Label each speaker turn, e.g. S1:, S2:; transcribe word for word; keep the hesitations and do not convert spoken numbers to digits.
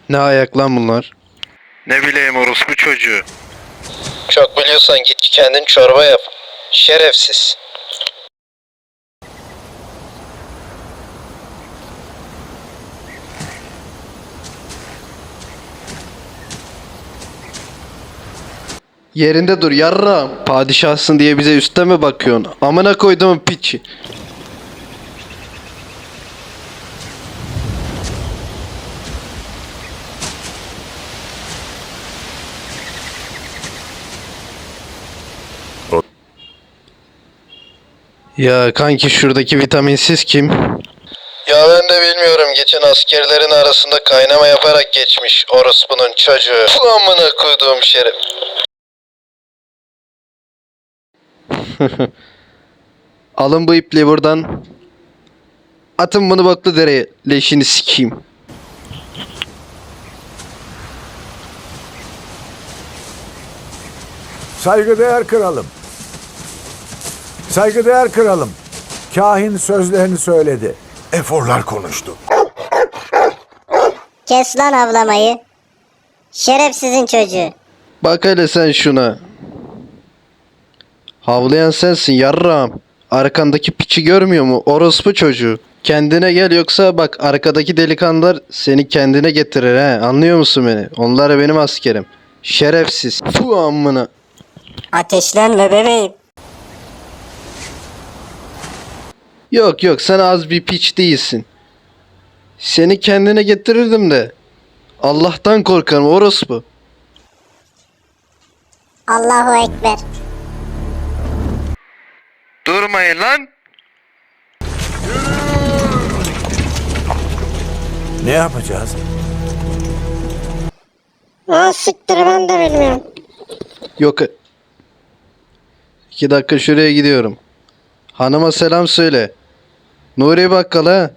S1: Ne ayak lan bunlar?
S2: Ne bileyim orospu çocuğu.
S1: Çok biliyorsan git kendin çorba yap. Şerefsiz. Yerinde dur yarra. Padişahsın diye bize üste mi bakıyorsun? Amına koyduğum piçi. Ya kanki şuradaki vitaminsiz kim? Ya ben de bilmiyorum. Geçen askerlerin arasında kaynama yaparak geçmiş orospunun çocuğu. Bu amına koyduğum şeref. Alın bu ipliği buradan. Atın bunu boklu dereye. Leşini sikeyim.
S3: Saygıdeğer kralım. Saygıdeğer kralım. Kahin sözlerini söyledi. Eforlar konuştu.
S4: Kes lan avlamayı. Şerefsizin çocuğu.
S1: Bak hele sen şuna. Havlayan sensin yarrağım. Arkandaki piçi görmüyor mu? Orospu çocuğu. Kendine gel yoksa bak arkadaki delikanlılar seni kendine getirir he. Anlıyor musun beni? Onlar benim askerim. Şerefsiz. Fu amına.
S4: Ateşlenme bebeğim.
S1: Yok yok sen az bir piç değilsin. Seni kendine getirirdim de. Allah'tan korkarım orospu.
S4: Allahu Ekber.
S2: Durmayın lan.
S3: Ne yapacağız?
S4: Aa siktir ben de bilmiyorum.
S1: Yok. İki dakika şuraya gidiyorum. Hanıma selam söyle. Nuri Bakkal ha.